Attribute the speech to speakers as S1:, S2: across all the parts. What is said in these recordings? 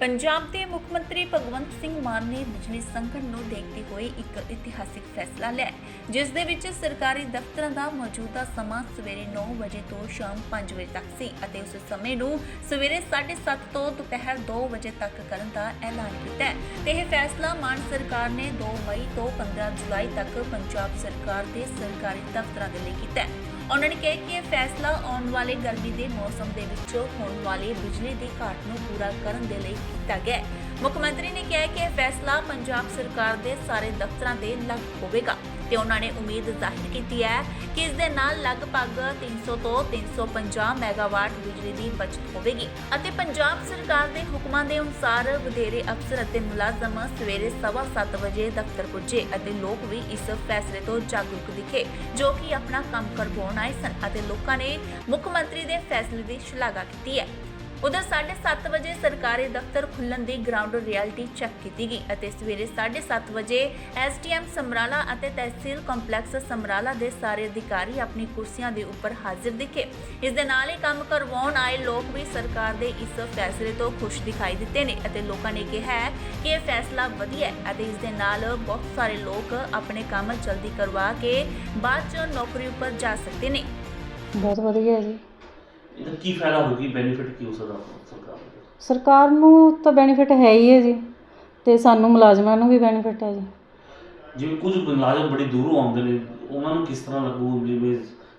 S1: ਪੰਜਾਬ ਦੇ ਮੁੱਖ ਮੰਤਰੀ ਭਗਵੰਤ ਸਿੰਘ ਮਾਨ ਨੇ ਬਿਜਲੀ ਸੰਕਟ ਨੂੰ ਦੇਖਦੇ ਹੋਏ ਇੱਕ ਇਤਿਹਾਸਿਕ ਫੈਸਲਾ ਲਿਆ ਜਿਸ ਦੇ ਵਿੱਚ ਸਰਕਾਰੀ ਦਫ਼ਤਰਾਂ ਦਾ ਮੌਜੂਦਾ ਸਮਾਂ ਸਵੇਰੇ 9 ਵਜੇ ਤੋਂ ਸ਼ਾਮ 5 ਵਜੇ ਤੱਕ ਸੀ ਅਤੇ ਉਸ ਸਮੇਂ ਨੂੰ ਸਵੇਰੇ 7:30 ਤੋਂ ਦੁਪਹਿਰ 2 ਵਜੇ ਤੱਕ ਕਰਨ ਦਾ ਐਲਾਨ ਕੀਤਾ ਹੈ ਤੇ ਇਹ ਫੈਸਲਾ ਮਾਨ ਸਰਕਾਰ ਨੇ 2 ਮਈ ਤੋਂ 15 ਜੁਲਾਈ ਤੱਕ ਪੰਜਾਬ ਸਰਕਾਰ ਦੇ ਸਰਕਾਰੀ ਦਫ਼ਤਰਾਂ ਦੇ ਲਈ ਕੀਤਾ ਹੈ। ਉਹਨਾਂ ਨੇ ਕਿਹਾ ਕਿ ਇਹ ਫੈਸਲਾ ਆਉਣ ਵਾਲੇ ਗਰਮੀ ਦੇ ਮੌਸਮ ਦੇ ਵਿੱਚ ਹੋਣ ਵਾਲੀ ਬਿਜਲੀ ਦੀ ਘਾਟ ਨੂੰ ਪੂਰਾ ਕਰਨ ਦੇ ਲਈ ਕੀਤਾ ਗਿਆ ਹੈ। ਮੁੱਖ ਮੰਤਰੀ ਨੇ ਕਿਹਾ ਕਿ ਇਹ ਫੈਸਲਾ ਪੰਜਾਬ ਸਰਕਾਰ ਦੇ ਸਾਰੇ ਦਫ਼ਤਰਾਂ ਤੇ ਲਾਗੂ ਹੋਵੇਗਾ ਤੇ ਉਹਨਾਂ ਨੇ ਉਮੀਦ ਜ਼ਾਹਿਰ ਕੀਤੀ ਹੈ ਕਿ ਇਸ ਦੇ ਨਾਲ ਲਗਭਗ 300 ਤੋਂ 350 ਮੈਗਾਵਾਟ ਬਿਜਲੀ ਦੀ ਬਚਤ ਹੋਵੇਗੀ ਅਤੇ ਪੰਜਾਬ ਸਰਕਾਰ ਦੇ ਹੁਕਮਾਂ ਦੇ ਅਨੁਸਾਰ ਵਧੇਰੇ ਅਫਸਰ ਅਤੇ ਮੁਲਾਜ਼ਮ ਸਵੇਰੇ 7:15 ਵਜੇ ਦਫ਼ਤਰ ਪੁੱਜੇ ਅਤੇ ਲੋਕ ਵੀ ਇਸ ਫੈਸਲੇ ਤੋਂ ਜਾਗਰੂਕ ਦਿਖੇ ਜੋ ਕਿ ਆਪਣਾ ਕੰਮ ਕਰਵਾਉਣ ਆਏ ਸਨ ਅਤੇ ਲੋਕਾਂ ਨੇ ਮੁੱਖ ਮੰਤਰੀ ਦੇ ਫੈਸਲੇ ਦੀ ਸ਼ਲਾਘਾ ਕੀਤੀ ਹੈ। उधर 7:30 ਵਜੇ ਸਰਕਾਰੀ ਦਫ਼ਤਰ ਖੁੱਲ੍ਹਣ ਦੀ ਗਰਾਊਂਡ ਰਿਐਲਿਟੀ ਚੈੱਕ ਕੀਤੀ ਗਈ ਅਤੇ ਸਵੇਰੇ 7:30 ਵਜੇ ਐਸਡੀਐਮ ਸਮਰਾਲਾ ਅਤੇ ਤਹਿਸੀਲ ਕੰਪਲੈਕਸ ਸਮਰਾਲਾ ਦੇ ਸਾਰੇ ਅਧਿਕਾਰੀ ਆਪਣੀ ਕੁਰਸੀਆਂ ਦੇ ਉੱਪਰ ਹਾਜ਼ਰ ਦਿਖੇ। ਇਸ ਦੇ ਨਾਲ ਹੀ ਕੰਮ ਕਰਵਾਉਣ ਆਏ ਲੋਕ ਵੀ ਸਰਕਾਰ ਦੇ ਇਸ ਫੈਸਲੇ ਤੋਂ ਖੁਸ਼ ਦਿਖਾਈ ਦਿੱਤੇ ਨੇ ਅਤੇ ਲੋਕਾਂ ਨੇ ਕਿਹਾ ਹੈ ਕਿ ਇਹ ਫੈਸਲਾ ਵਧੀਆ ਹੈ ਅਤੇ ਇਸ ਦੇ ਨਾਲ ਬਹੁਤ ਸਾਰੇ ਲੋਕ ਆਪਣੇ ਕੰਮ ਜਲਦੀ ਕਰਵਾ ਕੇ ਬਾਅਦ 'ਚ ਨੌਕਰੀ ਉੱਪਰ ਜਾ ਸਕਦੇ ਨੇ।
S2: ਬਹੁਤ ਵਧੀਆ ਜੀ।
S3: ਇਹਦਾ ਕੀ ਫਾਇਦਾ ਹੋਊਗੀ, ਬੈਨੀਫਿਟ ਕੀ ਹੋ ਸਕਦਾ ਸਰਕਾਰ ਨੂੰ?
S2: ਸਰਕਾਰ ਨੂੰ ਤਾਂ ਬੈਨੀਫਿਟ ਹੈ ਹੀ ਹੈ ਜੀ ਤੇ ਸਾਨੂੰ ਮੁਲਾਜ਼ਮਾਂ ਨੂੰ ਵੀ ਬੈਨੀਫਿਟ ਹੈ ਜੀ।
S3: ਜਿਵੇਂ ਕੁਝ ਮੁਲਾਜ਼ਮ ਬੜੀ ਦੂਰੋਂ ਆਉਂਦੇ ਨੇ ਉਹਨਾਂ ਨੂੰ ਕਿਸ ਤਰ੍ਹਾਂ ਲੱਗੂ, ਜਿਵੇਂ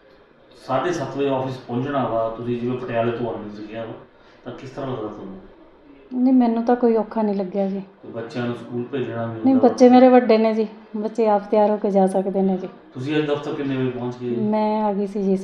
S3: 7:30 ਵਜੇ ਆਫਿਸ ਪਹੁੰਚਣਾ ਵਾ, ਤੁਸੀਂ ਜਿਵੇਂ ਪਟਿਆਲੇ ਤੋਂ ਆਉਂਦੇ ਸੀਗੇ ਵਾ, ਤਾਂ ਕਿਸ ਤਰ੍ਹਾਂ ਲੱਗਦਾ ਤੁਹਾਨੂੰ?
S2: ਨਹੀਂ, ਮੈਨੂੰ ਤਾਂ ਕੋਈ ਔਖਾ ਨਹੀਂ ਲੱਗਿਆ ਜੀ।
S3: ਬੱਚਿਆਂ ਨੂੰ ਸਕੂਲ ਭੇਜਣਾ ਵੀ
S2: ਨਹੀਂ, ਬੱਚੇ ਮੇਰੇ ਵੱਡੇ ਨੇ ਜੀ, ਬੱਚੇ ਆਪ ਤਿਆਰ ਹੋ ਕੇ ਜਾ ਸਕਦੇ ਨੇ ਜੀ।
S3: ਤੁਸੀਂ ਅੱਜ ਦਫ਼ਤਰ ਕਿੰਨੇ ਵਜੇ ਪਹੁੰਚ ਗਏ?
S2: ਮੈਂ ਆ ਗਈ ਸੀ ਜੀ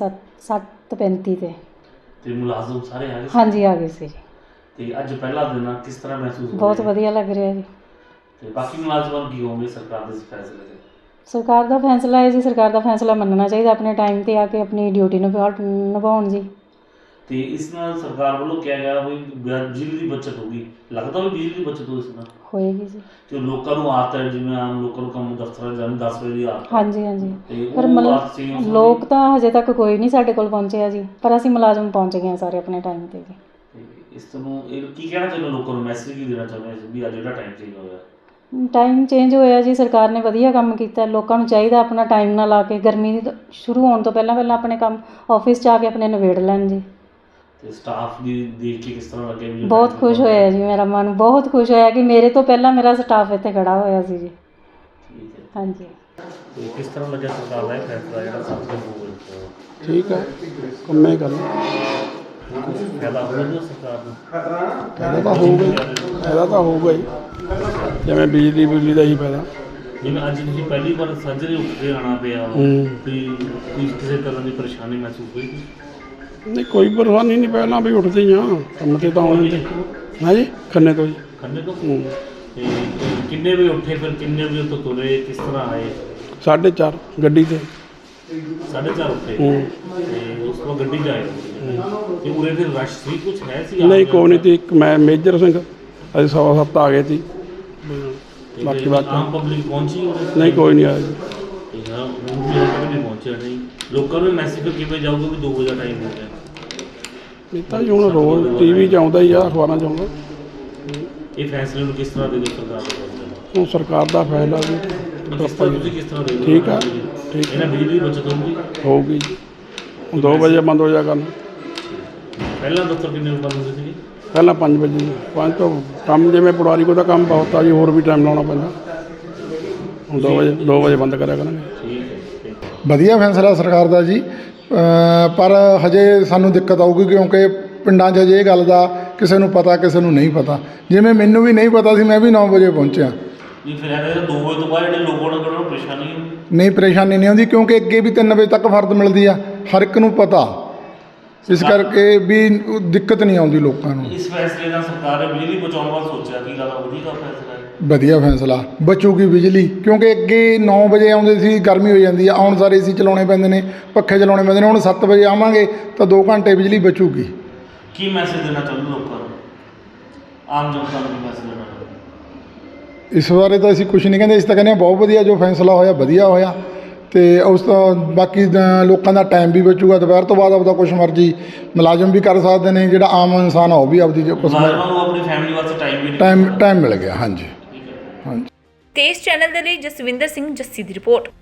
S2: 7:35
S3: ਤੇ ਮੁਲਾਜ਼ਮ ਸਾਰੇ ਆ ਗਏ?
S2: ਹਾਂਜੀ, ਆ ਗਏ ਸੀ ਜੀ।
S3: ਤੇ ਅੱਜ ਪਹਿਲਾ ਦਿਨ ਆ, ਕਿਸ ਤਰ੍ਹਾਂ ਮਹਿਸੂਸ ਹੋ ਰਿਹਾ?
S2: ਬਹੁਤ ਵਧੀਆ ਲੱਗ ਰਿਹਾ ਜੀ।
S3: ਤੇ ਬਾਕੀ ਮੁਲਾਜ਼ਮਾਂ ਨੂੰ ਕੀ ਹੋਵੇ ਸਰਕਾਰ ਦੇ ਇਸ ਫੈਸਲੇ ਤੇ?
S2: ਸਰਕਾਰ ਦਾ ਫੈਸਲਾ ਹੈ ਜੀ, ਸਰਕਾਰ ਦਾ ਫੈਸਲਾ ਮੰਨਣਾ ਚਾਹੀਦਾ, ਆਪਣੇ ਟਾਈਮ 'ਤੇ ਆ ਕੇ ਆਪਣੀ ਡਿਊਟੀ ਨਿਭਾਉਣ ਜੀ।
S3: ਤੇ ਇਸ ਨਾਲ ਸਰਕਾਰ ਵੱਲੋਂ ਕਿਹਾ ਗਿਆ ਵੀ ਬਿਜਲੀ ਦੀ ਬੱਚਤ ਹੋਊਗੀ, ਲੱਗਦਾ ਵੀ ਬਿਜਲੀ ਦੀ ਬੱਚਤ ਹੋ ਇਸ ਨਾਲ
S2: ਹੋਏਗੀ ਜੀ।
S3: ਤੇ ਲੋਕਾਂ ਨੂੰ ਆਦਤ ਹੈ, ਜਿਵੇਂ ਆਮ ਲੋਕਾਂ ਨੂੰ ਕੰਮ ਦਫ਼ਤਰਾਂ ਜਾਣ 10 ਵਜੇ ਦੀ ਆਦਤ।
S2: ਹਾਂਜੀ ਹਾਂਜੀ,
S3: ਤੇ
S2: ਪਰ
S3: ਉਹ
S2: ਮਤਲਬ
S3: ਆਦਤ ਸੀ
S2: ਲੋਕ ਤਾਂ ਹਜੇ ਤੱਕ ਕੋਈ ਨਹੀਂ ਸਾਡੇ ਕੋਲ ਪਹੁੰਚਿਆ ਜੀ, ਪਰ ਅਸੀਂ ਮੁਲਾਜ਼ਮ ਪਹੁੰਚ ਗਏ ਹਾਂ ਸਾਰੇ ਆਪਣੇ ਟਾਈਮ 'ਤੇ ਜੀ।
S3: ਤੇ ਇਸ ਤੋਂ ਇਹ ਕੀ ਕਹਿਣਾ ਚਾਹੁੰਦੇ ਲੋਕਾਂ ਨੂੰ, ਮੈਸੇਜ ਕੀ ਦੇਣਾ ਚਾਹੁੰਦੇ ਵੀ ਅੱਜ ਜਿਹੜਾ ਟਾਈਮ ਚੇਂਜ ਹੋਇਆ?
S2: ਟਾਈਮ ਚੇਂਜ ਹੋਇਆ ਜੀ, ਸਰਕਾਰ ਨੇ ਵਧੀਆ ਕੰਮ ਕੀਤਾ। ਲੋਕਾਂ ਨੂੰ ਚਾਹੀਦਾ ਆਪਣਾ ਟਾਈਮ ਨਾਲ ਆ ਕੇ ਗਰਮੀ ਸ਼ੁਰੂ ਹੋਣ ਤੋਂ ਪਹਿਲਾਂ ਆਪਣੇ ਕੰਮ ਆਫਿਸ 'ਚ ਆ ਕੇ ਆਪਣੇ ਨਿਬੇੜ ਲੈਣ ਜੀ।
S3: ਤੇ ਸਟਾਫ ਦੀ ਦੇਖ ਕੇ ਕਿਸ ਤਰ੍ਹਾਂ ਲੱਗਿਆ? ਵੀ
S2: ਬਹੁਤ ਖੁਸ਼ ਹੋਇਆ ਜੀ, ਮੇਰਾ ਮਨ ਬਹੁਤ ਖੁਸ਼ ਹੋਇਆ ਕਿ ਮੇਰੇ ਤੋਂ ਪਹਿਲਾਂ ਮੇਰਾ ਸਟਾਫ ਇੱਥੇ ਖੜਾ ਹੋਇਆ ਸੀ ਜੀ।
S3: ਠੀਕ ਹੈ।
S2: ਹਾਂਜੀ।
S3: ਤੇ ਕਿਸ ਤਰ੍ਹਾਂ ਲੱਗਿਆ ਸਰਕਾਰ ਦਾ ਇਹ ਫੈਸਲਾ ਜਿਹੜਾ 7 ਦਿਨ ਹੋ ਗਏ?
S4: ਠੀਕ ਹੈ, ਕੰਮੇ ਗੱਲ
S3: ਫਾਇਦਾ ਹੋਊਗਾ ਸਰਕਾਰ ਨੂੰ?
S4: ਫਾਇਦਾ ਤਾਂ ਹੋਊਗਾ ਹੀ, ਜਿਵੇਂ ਬਿਜਲੀ ਦਾ ਹੀ ਫਾਇਦਾ।
S3: ਜਿਵੇਂ ਅੱਜ ਤੁਸੀਂ ਪਹਿਲੀ ਵਾਰ ਸਾਜਰੇ ਉੱਠ ਕੇ ਆਉਣਾ ਪਿਆ, ਵੀ ਕੋਈ ਕਿਸੇ ਤਰ੍ਹਾਂ ਦੀ ਪਰੇਸ਼ਾਨੀ ਮਹਿਸੂਸ ਹੋਈ?
S4: ਨਹੀਂ, ਕੋਈ ਪਰਵਾਹੀ ਨਹੀਂ, ਪਹਿਲਾਂ ਵੀ ਉੱਠਦੇ ਹੀ ਹਾਂ ਕੰਮ 'ਤੇ ਤਾਂ ਆਉਣੇ ਤੇ। ਹਾਂ ਜੀ, ਖੰਨੇ ਤੋਂ ਜੀ।
S3: ਖੰਨੇ ਤੋਂ? ਤੇ ਕਿੰਨੇ ਵਜੇ ਉੱਠੇ, ਫਿਰ ਕਿੰਨੇ ਵਜੇ ਤੋਂ ਤੁਰੇ, ਕਿਸ ਤਰ੍ਹਾਂ ਆਏ?
S4: 4:30 ਗੱਡੀ 'ਤੇ।
S3: 4:30 ਉੱਠੇ ਤੇ ਉਸ ਤੋਂ ਗੱਡੀ 'ਚ ਆਏ ਤੇ ਉਰੇ ਫਿਰ ਰਸ਼ ਸੀ, ਕੁਛ ਹੈ ਸੀ?
S4: ਨਹੀਂ, ਕੋਈ ਨਹੀਂ ਸੀ। ਇੱਕ ਮੈਂ ਮੇਜਰ ਸਿੰਘ, ਅਸੀਂ 7:15 ਆ ਗਏ ਸੀ। ਬਾਕੀ
S3: ਆਮ ਪਬਲਿਕ ਪਹੁੰਚੀ ਉਰੇ?
S4: ਨਹੀਂ, ਕੋਈ ਨਹੀਂ ਆਇਆ ਜੀ।
S3: ਨਹੀਂ ਪਹੁੰਚਿਆ। ਨਹੀਂ, ਲੋਕਾਂ ਨੂੰ ਮੈਸੇਜ ਕਿਵੇਂ ਜਾਊਗਾ ਵੀ 2 ਵਜੇ ਦਾ ਟਾਈਮ ਹੋ ਗਿਆ?
S4: ਇਹ ਤਾਂ ਜੀ ਹੁਣ ਰੋਜ਼ TV 'ਚ ਆਉਂਦਾ ਹੀ ਆ, ਅਖਬਾਰਾਂ 'ਚ ਆਉਂਦਾ।
S3: ਇਹ ਫੈਸਲੇ ਨੂੰ ਕਿਸ ਤਰ੍ਹਾਂ ਦੇ ਦਿਓ ਸਰਕਾਰ ਦੇ?
S4: ਹੁਣ ਸਰਕਾਰ ਦਾ ਫਾਇਦਾ ਜੀ।
S3: ਤੁਸੀਂ ਕਿਸ ਤਰ੍ਹਾਂ ਦੇ?
S4: ਠੀਕ ਆ, ਠੀਕ
S3: ਇਹਨਾਂ ਬਿਜਲੀ ਦੀ ਬੱਚਤ ਹੋਊਗੀ?
S4: ਹੋਊਗੀ ਜੀ। ਹੁਣ 2 ਵਜੇ ਬੰਦ ਹੋ ਜਾ ਕਰਨ।
S3: ਪਹਿਲਾਂ ਦਫ਼ਤਰ ਕਿੰਨੇ ਵਜੇ ਬੰਦ ਹੁੰਦੇ ਸੀਗੇ?
S4: ਪਹਿਲਾਂ 5 ਵਜੇ, 5 ਤੋਂ ਕੰਮ ਜਿਵੇਂ ਪਟਵਾਰੀ ਕੋਲ ਤਾਂ ਕੰਮ ਬਹੁਤ ਆ ਜੀ, ਹੋਰ ਵੀ ਟਾਈਮ ਲਾਉਣਾ ਪੈਂਦਾ। ਹੁਣ 2 ਵਜੇ ਬੰਦ ਕਰਿਆ ਕਰਾਂਗੇ।
S3: ਠੀਕ ਹੈ।
S5: ਵਧੀਆ ਫੈਸਲਾ ਸਰਕਾਰ ਦਾ ਜੀ, ਪਰ ਹਜੇ ਸਾਨੂੰ ਦਿੱਕਤ ਆਊਗੀ ਕਿਉਂਕਿ ਪਿੰਡਾਂ 'ਚ ਹਜੇ ਇਹ ਗੱਲ ਦਾ ਕਿਸੇ ਨੂੰ ਪਤਾ, ਕਿਸੇ ਨੂੰ ਨਹੀਂ ਪਤਾ। ਜਿਵੇਂ ਮੈਨੂੰ ਵੀ ਨਹੀਂ ਪਤਾ ਸੀ, ਮੈਂ ਵੀ 9 ਵਜੇ ਪਹੁੰਚਿਆ।
S3: ਨਹੀਂ, ਫਿਰ ਇਹਦੇ 2 ਵਜੇ ਤੋਂ ਬਾਅਦ ਜਿਹੜੇ ਲੋਕਾਂ ਨੂੰ ਪਰੇਸ਼ਾਨੀ
S5: ਨਹੀਂ, ਪਰੇਸ਼ਾਨੀ ਨਹੀਂ ਆਉਂਦੀ ਕਿਉਂਕਿ ਅੱਗੇ ਵੀ 3 ਵਜੇ ਤੱਕ ਫਰਦ ਮਿਲਦੀ ਆ, ਹਰ ਇੱਕ ਨੂੰ ਪਤਾ। ਇਸ ਕਰਕੇ ਵੀ ਦਿੱਕਤ ਨਹੀਂ ਆਉਂਦੀ ਲੋਕਾਂ ਨੂੰ।
S3: ਇਸ ਫੈਸਲੇ ਨਾਲ ਸਰਕਾਰ ਨੇ ਬਿਜਲੀ ਬਚਾਉਣ ਵਾਲਾ ਸੋਚਿਆ ਕਿ ਜ਼ਿਆਦਾ ਵਧੀਆ ਫੈਸਲਾ ਹੈ।
S5: ਵਧੀਆ ਫੈਸਲਾ, ਬਚੂਗੀ ਬਿਜਲੀ ਕਿਉਂਕਿ ਅੱਗੇ 9 ਵਜੇ ਆਉਂਦੇ ਸੀ, ਗਰਮੀ ਹੋ ਜਾਂਦੀ ਆ, ਆਉਣ ਸਾਰੇ AC ਚਲਾਉਣੇ ਪੈਂਦੇ ਨੇ, ਪੱਖੇ ਚਲਾਉਣੇ ਪੈਂਦੇ ਨੇ। ਹੁਣ 7 ਵਜੇ ਆਵਾਂਗੇ ਤਾਂ 2 ਘੰਟੇ ਬਿਜਲੀ ਬਚੂਗੀ।
S3: ਕੀ ਮੈਸੇਜ ਦੇਣਾ ਚਾਹੁੰਦੇ ਲੋਕਾਂ ਨੂੰ, ਆਮ ਜਨਤਾ ਨੂੰ ਕੀ ਮੈਸੇਜ ਦੇਣਾ ਚਾਹੁੰਦੇ?
S5: ਇਸ ਬਾਰੇ ਤਾਂ ਅਸੀਂ ਕੁਝ ਨਹੀਂ ਕਹਿੰਦੇ, ਅਸੀਂ ਤਾਂ ਕਹਿੰਦੇ ਹਾਂ ਬਹੁਤ ਵਧੀਆ ਜੋ ਫੈਸਲਾ ਹੋਇਆ, ਵਧੀਆ ਹੋਇਆ। ਤੇ ਉਸ ਤੋਂ ਬਾਕੀ ਲੋਕਾਂ ਦਾ ਟਾਈਮ ਵੀ ਬਚੂਗਾ। ਦੁਪਹਿਰ ਤੋਂ ਬਾਅਦ ਆਪਦਾ ਕੁਛ ਮਰਜ਼ੀ ਮੁਲਾਜ਼ਮ ਵੀ ਕਰ ਸਕਦੇ ਨੇ, ਜਿਹੜਾ ਆਮ ਇਨਸਾਨ ਆ ਉਹ ਵੀ ਆਪਦੀ ਕੁਛ
S3: ਮੁਲਾਜ਼ਮਾਂ ਨੂੰ ਆਪਣੀ ਫੈਮਿਲੀ ਵਾਸਤੇ ਟਾਈਮ ਵੀ
S5: ਟਾਈਮ ਮਿਲ ਗਿਆ। ਹਾਂਜੀ ਹਾਂਜੀ।
S1: ਤੇਜ਼ ਚੈਨਲ ਦੇ ਲਈ ਜਸਵਿੰਦਰ ਸਿੰਘ ਜੱਸੀ ਦੀ ਰਿਪੋਰਟ।